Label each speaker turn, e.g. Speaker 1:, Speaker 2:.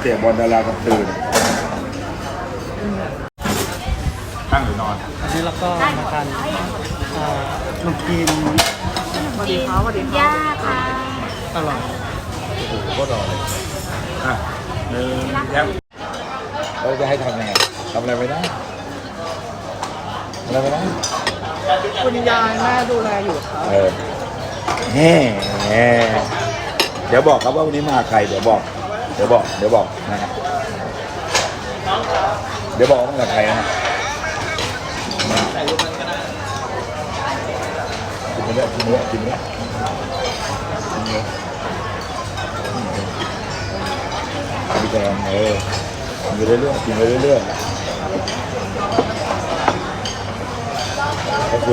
Speaker 1: เตะบอลดารากลางคืนตั้งหรือนอน
Speaker 2: อันนี้เราก็มาทานนมจีน
Speaker 3: สวัสดีครับสวัสดีครับย่าค่ะ
Speaker 2: อร่อย
Speaker 1: โอ้โหก็รอเลยอ่ะหนึ่งแย้มเราจะให้ทำยังไงทำอะไรไม่ได้อะไรไม่ได้
Speaker 3: คุณยายแม่ดูแลอยู่ครับ
Speaker 1: แง่เดี๋ยวบอกครับว่าวันนี้มาใครเดี๋ยวบอกนะเดี๋ยวบอกว่ามากับใครนะกินไปแล้วกินไปแล้วกินไปแล้วกินไปเรื่อยๆกินไปเรื่อยๆ